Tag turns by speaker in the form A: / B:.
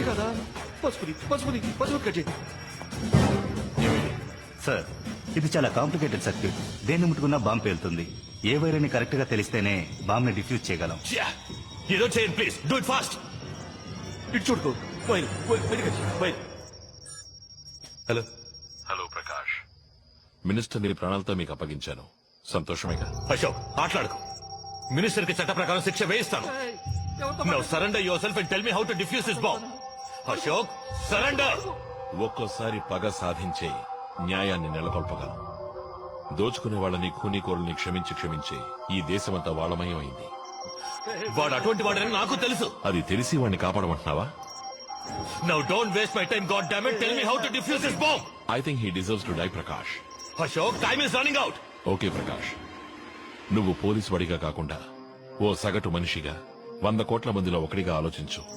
A: కదా పసుపు కట్ చేయి.
B: సార్ ఇది చాలా కాంప్లికేటెడ్ సర్క్యూట్. దేన్ని ముట్టుకున్నా బాంబు పేలుతుంది. ఏ వైర్ అని కరెక్ట్ గా తెలిస్తేనే బాంబ్ ని డిఫ్యూజ్ చేయగలం.
C: ఏదో చేయండి ప్లీజ్, డూ ఇట్ ఫాస్ట్.
A: ఇటు చూడుకో. హలో
D: హలో ప్రకాష్, మినిస్టర్ ని ప్రాణాలతో మీకు అప్పగించాను. సంతోషమేగా?
C: అశోక్ మాట్లాడుకో. మినిస్టర్ కి చట్ట ప్రకారం శిక్ష వేయిస్తాను. Now surrender yourself and tell me how to defuse this bomb. Ashok surrender.
D: ఒక్కోసారి పగ సాధించే న్యాయాన్ని నెలకొల్పగలం. దోచుకునే వాళ్ళని ఖూనీకోరుల్ని క్షమించి ఈ దేశమంతా వాళ్ళమయం అయింది.
C: వాడు అటువంటి వాడని నాకు తెలుసు.
D: అది తెలిసి వాడిని కాపాడమంటున్నావా?
C: Now don't waste my time, god damn it. Tell me how to defuse this bomb.
D: I think he deserves to die Prakash.
C: Ashok time is running out.
D: Okay Prakash, నువ్వు పోలీసు వాడిగా కాకుండా ఓ సగటు మనిషిగా 100 కోట్ల మందిలో ఒకటిగా ఆలోచించు.